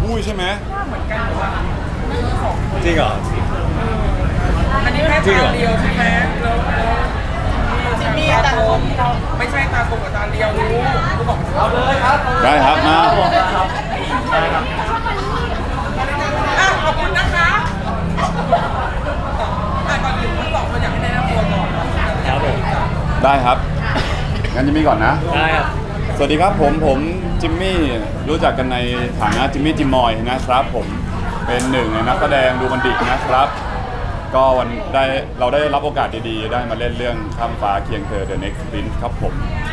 พูดใช่ไหมเหมือนกันหรือว่าของจริงเหรออันนี้แค่ตาเดียวใช่ไหมแล้วมีตาโกงไม่ใช่ตาโกงกับตาเดียวรู้บอกเอาเลยครับได้ครับมาขอบคุณนะคะก่อนอื่นทั้งสองคนอยากให้แนะนำตัวก่อนครับผมได้ครับงั้นจิมมี่ก่อนนะได้ครับสวัสดีครับผมจิมมี่รู้จักกันในฐานะจิมมี่จิมมอยนะครับผมเป็นหนึ่งในนักแสดงดูบันดินะครับก็เราได้รับโอกาสดีๆได้มาเล่นเรื่องข้ามฟ้าเคียงเธอ The Next Prince ครับผม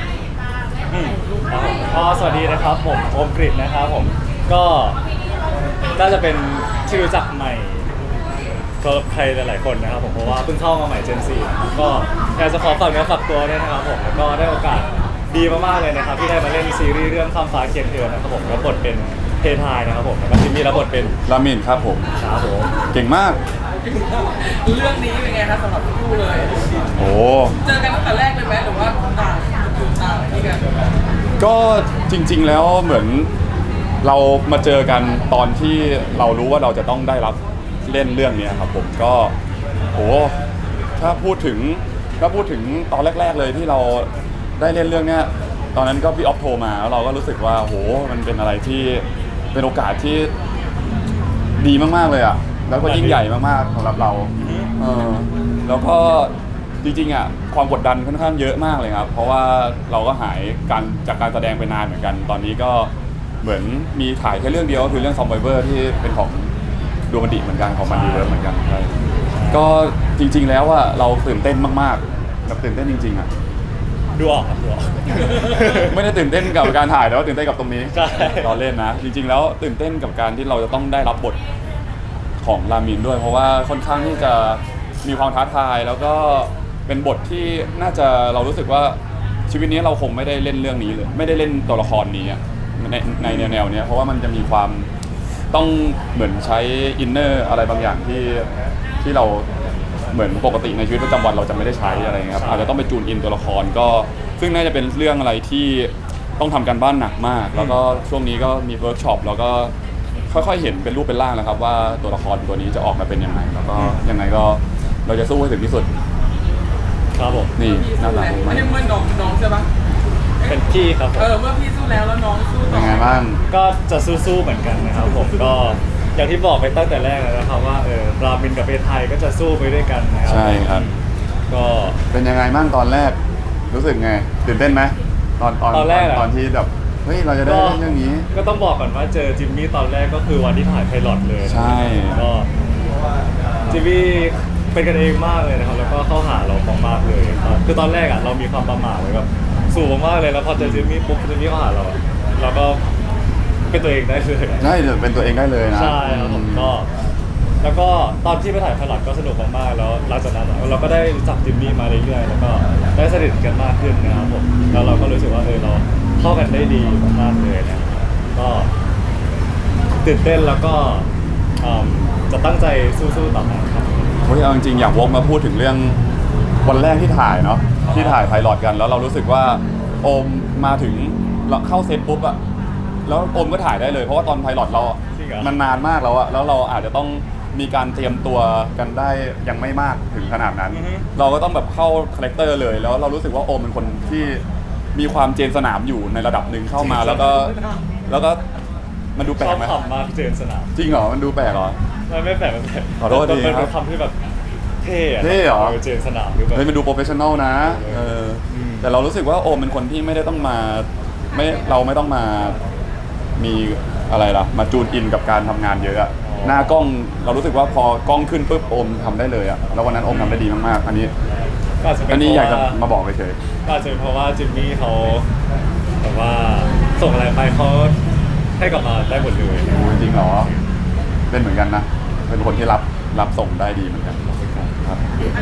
ก็สวัสดีนะครับผมโอมกฤษนะครับผมก็น่าจะเป็นที่รู้จักใหม่สำหรับใครหลายๆคนนะครับผมเพราะว่าเพิ่งเข้ามาใหม่ Gen 4ก็อยากจะขอฝากเนื้อฝากตัวด้วยนะครับผมแล้วก็ได้โอกาสดีมากๆเลยนะครับที่ได้มาเล่นซีรีส์เรื่องข้ามฟ้าเคียงเธอนะครับผมรับบทเป็นเพทายนะครับผมแล้วก็จิมมี่รับบทเป็นรามินครับผมครับผมเก่งมากเรื่องนี้เป็นไงครับสำหรับคู่เลยโอ้เจอกันตั้งแต่แรกเลยไหมหรือว่าต่างที่กันก็จริงๆแล้วเหมือนเรามาเจอกันตอนที่เรารู้ว่าเราจะต้องได้รับเล่นเรื่องนี้ครับผมก็โอ้ถ้าพูดถึงตอนแรกๆเลยที่เราได้เล่นเรื่องนี้ตอนนั้นก็พี่ออฟโทรมาแล้วเราก็รู้สึกว่าโหมันเป็นอะไรที่เป็นโอกาสที่ดีมากๆเลยอ่ะแล้วก็ยิ่งใหญ่มากๆสำหรับเราแล้วก็จริงๆอ่ะความกดดันค่อนข้างเยอะมากเลยครับเพราะว่าเราก็หายจากการแสดงไปนานเหมือนกันตอนนี้ก็เหมือนมีถ่ายแค่เรื่องเดียวก็คือเรื่อง Survivor ที่เป็นของดูมันดิเหมือนกันของมันดีเวิร์เหมือนกันใช่ก็จริงๆแล้วอ่ะเราตื่นเต้นมากๆแบบตื่นเต้นจริงๆอ่ะดูออกครับดูออกไม่ได้ตื่นเต้นกับการถ่ายแต่ว่าตื่นเต้นกับตรงนี้ใช่เราเล่นนะจริงๆแล้วตื่นเต้นกับการที่เราจะต้องได้รับบทของรามินด้วยเพราะว่าค่อนข้างที่จะมีความท้าทายแล้วก็เป็นบทที่น่าจะเรารู้สึกว่าชีวิตนี้เราคงไม่ได้เล่นเรื่องนี้เลยไม่ได้เล่นตัวละครนี้ในแนวนี้เพราะว่ามันจะมีความต้องเหมือนใช้อินเนอร์อะไรบางอย่างที่เราเหมือนปกติในชีวิตประจำวันเราจะไม่ได้ใช้อะไรเงี้ยครับอาจจะต้องไปจูนอินตัวละครก็ซึ่งน่าจะเป็นเรื่องอะไรที่ต้องทำการบ้านหนักมากแล้วก็ช่วงนี้ก็มีเวิร์กช็อปแล้วก็ค่อยๆเห็นเป็นรูปเป็นร่างแล้วครับว่าตัวละครตัวนี้จะออกมาเป็นยังไงแล้วก็ยังไงก็เราจะสู้ให้ถึงที่สุดครับผมนี่น่ารักมากนี่เมื่อน้องใช่ปะเป็นพี่ครับผมเมื่อพี่สู้แล้วน้องสู้ต่อเป็นไงบ้างก็จะสู้ๆเหมือนกันนะครับผมก็อย่างที่บอกไปตั้งแต่แรกแล้วนะครับว่ารามินกับเพทายก็จะสู้ไปด้วยกันนะครับใช่ครับก็เป็นยังไงบ้างตอนแรกรู้สึกไงตื่นเต้นไหมตอนแรกตอนที่แบบเฮ้ยเราจะได้เรื่องนี้ก็ต้องบอกก่อนว่าเจอจิมมี่ตอนแรกก็คือวันที่ถ่ายไพลอตเลยใช่ก็จิมมี่เป็นกันเองมากเลยนะครับแล้วก็เข้าหาเรามากๆเลยคือตอนแรกอ่ะเรามีความประหม่าไว้แบบสูงมากเลยแล้วพอเจอจิมมี่ปุ๊บจิมมี่เข้าหาเราก็เป็นตัวเองได้เลยใช่เป็นตัวเองได้เลยนะใช่ครับผมก็แล้วก็ตอนที่ไปถ่ายไพลอตก็สนุกมากๆแล้วหลังจากนั้นเราก็ได้รู้จักจิมมี่มาเรื่อยๆแล้วก็ได้สนิทกันมากขึ้นนะครับผมแล้วเราก็รู้สึกว่าเราเข้ากันได้ดีมากๆเลยนะก็ตื่นเต้นแล้วก็จะตั้งใจสู้ๆต่อไปครับเฮ้ยเอาจริงๆอยากวกมาพูดถึงเรื่องวันแรกที่ถ่ายเนาะที่ถ่ายไพลอตกันแล้วเรารู้สึกว่าโอมมาถึงเราเข้าเซตปุ๊บอะแล้วโอมก็ถ่ายได้เลยเพราะว่าตอนไพลอตเรามันนานมากแล้วอะแล้วเราอาจจะต้องมีการเตรียมตัวกันได้ยังไม่มากถึงขนาดนั้นเราก็ต้องแบบเข้าคาแรคเตอร์เลยแล้วเรารู้สึกว่าโอมเป็นคนที่มีความเจนสนามอยู่ในระดับหนึ่งเข้ามาแล้วก็มันดูแปลกไหมชอบคำมากเจนสนามจริงเหรอมันดูแปลกเหรอไม่แปลกมันแปลกขอโทษทีครับเป็นคำที่แบบเท่เหรอเจนสนามหรือแบบเฮ้ยมันดูโปรเฟชชั่นอลนะแต่เรารู้สึกว่าโอมเป็นคนที่ไม่ได้ต้องมาเราไม่ต้องมามีอะไรล่ะมาจูนอินกับการทำงานเยอะหน้ากล้องเรารู้สึกว่าพอกล้องขึ้นปุ๊บโอมทำได้เลยอะแล้ววันนั้นโอมทำได้ดีมากๆอันนี้อยากจะมาบอกไปเฉยก็อาจจะเป็นเพราะว่าจิมมี่เขาแบบว่าส่งอะไรไปเขาให้กลับมาได้หมดเลยจริงเหรอเป็นเหมือนกันนะเป็นคนที่รับส่งได้ดีเหมือนกันครับ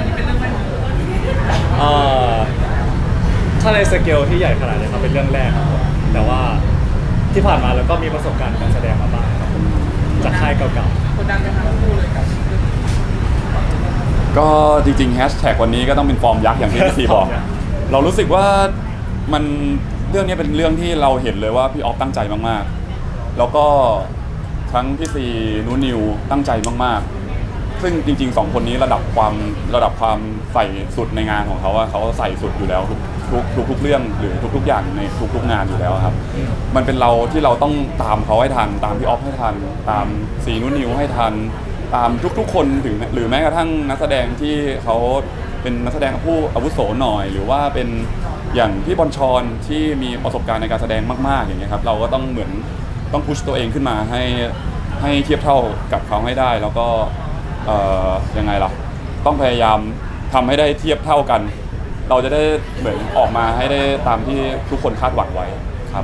ถ้าในสเกลที่ใหญ่ขนาดนี้ครับเป็นเรื่องแรกครับแต่ว่าที่ผ่านมาเราก็มีประสบการณ์การแสดงมาบ้างครับจากค่ายเก่าๆคนดังไหมครับคู่เลยครับก็จริงๆแฮชแท็กวันนี้ก็ต้องเป็นฟอร์มยักษ์อย่างที่พี่บอกเรารู้สึกว่ามันเรื่องนี้เป็นเรื่องที่เราเห็นเลยว่าพี่ออฟตั้งใจมากๆแล้วก็ทั้งพี่ซีนูนิวตั้งใจมากๆซึ่งจริงๆ2คนนี้ระดับความใส่สุดในงานของเขาเขาใส่สุดอยู่แล้วทุกเรื่องหรือทุกอย่างในทุกงานอยู่แล้วครับมันเป็นเราที่เราต้องตามเขาให้ทันตามพี่ออฟให้ทันตามซีนูนิวให้ทันตามทุกคนถึงหรือแม้กระทั่งนักแสดงที่เขาเป็นนักแสดงผู้อาวุโสหน่อยหรือว่าเป็นอย่างพี่บอลชอนที่มีประสบการณ์ในการแสดงมากๆอย่างเงี้ยครับเราก็ต้องเหมือนต้องพุชตัวเองขึ้นมาให้เทียบเท่ากับเขาให้ได้แล้วก็ยังไงล่ะต้องพยายามทำให้ได้เทียบเท่ากัน เราจะได้เหมือนออกมาให้ได้ตามที่ทุกคนคาดหวังไว้ครับ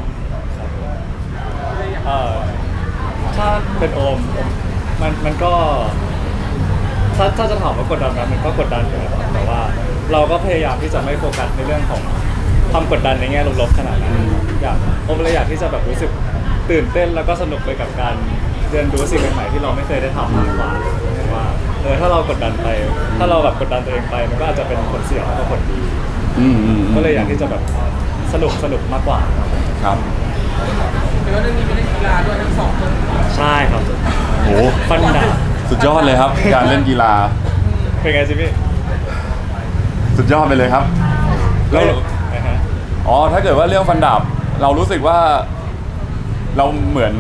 ถ้าเป็นโอมมันก็ถ้าจะถามว่ากดดันไหมมันก็กดดันอยู่นะครับแต่ว่าเราก็พยายามที่จะไม่โฟกัสในเรื่องของความกดดันในแง่ลบๆขนาดนั้นโอมเลยอยากที่จะแบบรู้สึกตื่นเต้นแล้วก็สนุกไปกับการเรียนรู้สิ่งใหม่ๆที่เราไม่เคยได้ทำมากกว่าว่าถ้าเรากดดันไปถ้าเราแบบกดดันตัวเองไปมันก็อาจจะเป็นผลเสียมากกว่าผลดีก็เลยอยากที่จะแบบสนุกมากกว่าครับแต่ว่าเรื่องนี้ไม่ได้กีฬาด้วยทั้งสองคนใช่ครับโอ้ฟันดาบสุดยอดเลยครับ การเล่นกีฬาเป็นไงจิมี่สุดยอดไปเลยครับแล้วอ๋อถ้าเกิดว่าเรื่องฟันดาบเรารู้สึกว่าเราเหมือน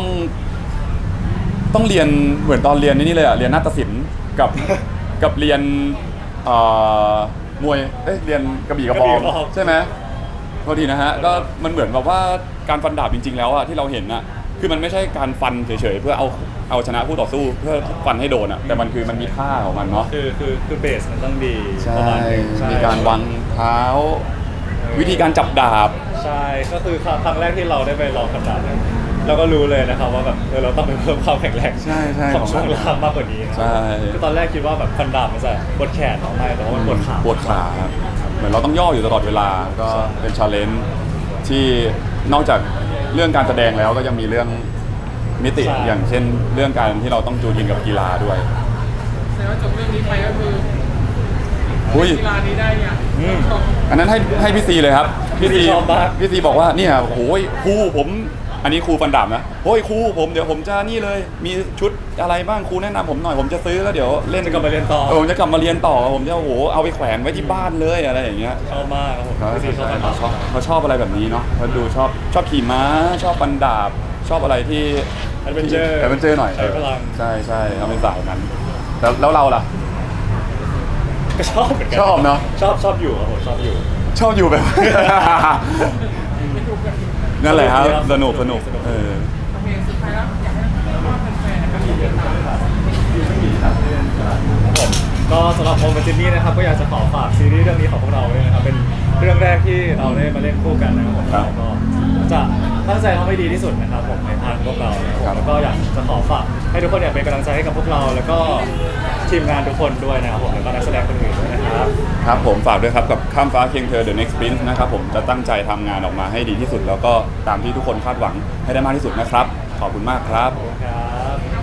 ต้องเรียนเหมือนตอนเรียนนี่เลยอะเรียนนาฏศิลป์กับเรียนมวยเรียนกระบี่กระบองใช่ไหมพอดีนะฮะก็มันเหมือนแบบว่าการฟันดาบจริงๆแล้วอะที่เราเห็นอะคือมันไม่ใช่การฟันเฉยๆเพื่อเอาชนะคู่ต่อสู้เพื่อฟันให้โดนอะแต่มันมีท่าของมันเนาะคือเบสมันต้องดีใช่มีการวางเท้าวิธีการจับดาบใช่ก็คือครั้งแรกที่เราได้ไปลองฟันดาบเราก็รู้เลยนะครับว่าแบบเราต้องไปเพิ่มความแข็งแรงของช่วงล่างมากกว่านี้ใช่คือตอนแรกคิดว่าแบบฟันดาบมันจะปวดแขนออกมาแต่ว่ามันปวดขาครับเหมือนเราต้องย่ออยู่ตลอดเวลาก็เป็นชาเลนจ์ที่นอกจากเรื่องการแสดงแล้วก็ยังมีเรื่องมิติอย่างเช่นเรื่องการที่เราต้องจูนยินกับกีฬาด้วยแสดงว่าจบเรื่องนี้ไปก็คือกีฬานี้ได้เนี่ยอันนั้นให้พี่ซีเลยครับพี่ซีบอกว่าเนี่ยโอ้ยครูผมอันนี้ครูฟันดาบนะโอ้ยครูผมเดี๋ยวผมจะนี่เลยมีชุดอะไรบ้างครูแนะนำผมหน่อยผมจะซื้อแล้วเดี๋ยวเล่นจะกลับมาเรียนต่อผมจะกลับมาเรียนต่อผมจะโอ้โหเอาไปแขวนไว้ที่บ้านเลยอะไรอย่างเงี้ยชอบมากครับผมพี่ซีเขาชอบอะไรแบบนี้เนาะเขาดูชอบขี่ม้าชอบฟันดาบชอบอะไรที่แอดเวนเจอร์หน่อยใช้พลังใช่เอาเป็นสายนั้นแล้วเราล่ะก็ชอบเหมือนกันชอบเนาะชอบอยู่ครับผมชอบอยู่แบบนั่นแหละครับสนุกเพลงสุดท้ายแล้วอยากให้แฟนๆก็มีเรื่องก็สำหรับโอมกับจิมมี่นะครับก็อยากจะขอฝากซีรีส์เรื่องนี้ของพวกเราเลยนะครับเป็นเรื่องแรกที่เราได้มาเล่นคู่กันนะครับผมก็จะตั้งใจทำให้ดีที่สุดนะครับผมในทางพวกเราแล้วก็อยากจะขอฝากให้ทุกคนเป็นกำลังใจให้กับพวกเราแล้วก็ทีมงานทุกคนด้วยนะครับผมแล้วก็นักแสดงคนอื่นด้วยนะครับครับผมฝากด้วยครับกับข้ามฟ้าเคียงเธอ The Next Prince นะครับผมจะตั้งใจทำงานออกมาให้ดีที่สุดแล้วก็ตามที่ทุกคนคาดหวังให้ได้มากที่สุดนะครับขอบคุณมากครับ